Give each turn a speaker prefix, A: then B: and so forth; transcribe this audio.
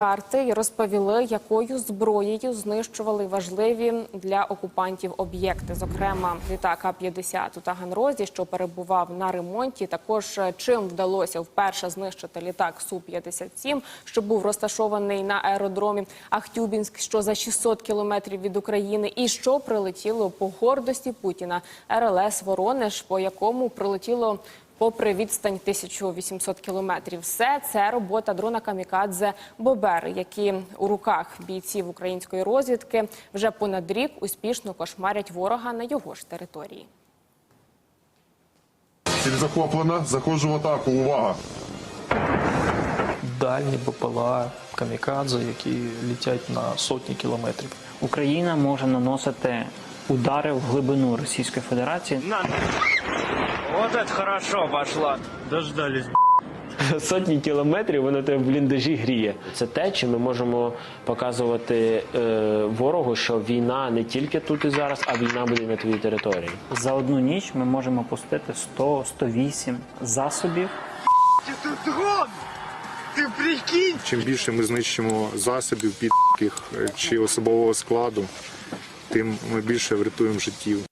A: Карти і розповіли, якою зброєю знищували важливі для окупантів об'єкти. Зокрема, літак А-50 у Таганрозі, що перебував на ремонті. Також чим вдалося вперше знищити літак Су-57, що був розташований на аеродромі Ахтюбінськ, що за 600 кілометрів від України. І що прилетіло по гордості Путіна РЛС «Воронеж», по якому прилетіло попри відстань 1800 кілометрів. Все це робота дрона камікадзе «Бобер», які у руках бійців української розвідки вже понад рік успішно кошмарять ворога на його ж території.
B: Ціль захоплена. Заходжу в атаку. Увага!
C: Дальні БПЛА камікадзе, які літять на сотні кілометрів.
D: Україна може наносити удари в глибину Російської Федерації.
E: Вот это хорошо пошла. Дождались.
F: Сотні кілометрів воно тебе в бліндажі гріє. Це те, чи ми можемо показувати ворогу, що війна не тільки тут і зараз, а війна буде на твоїй території.
D: За одну ніч ми можемо пустити 100-108 засобів.
E: Тут дрон! Ти прикинь!
G: Чим більше ми знищимо засобів, підких чи особового складу, тим ми більше врятуємо життів.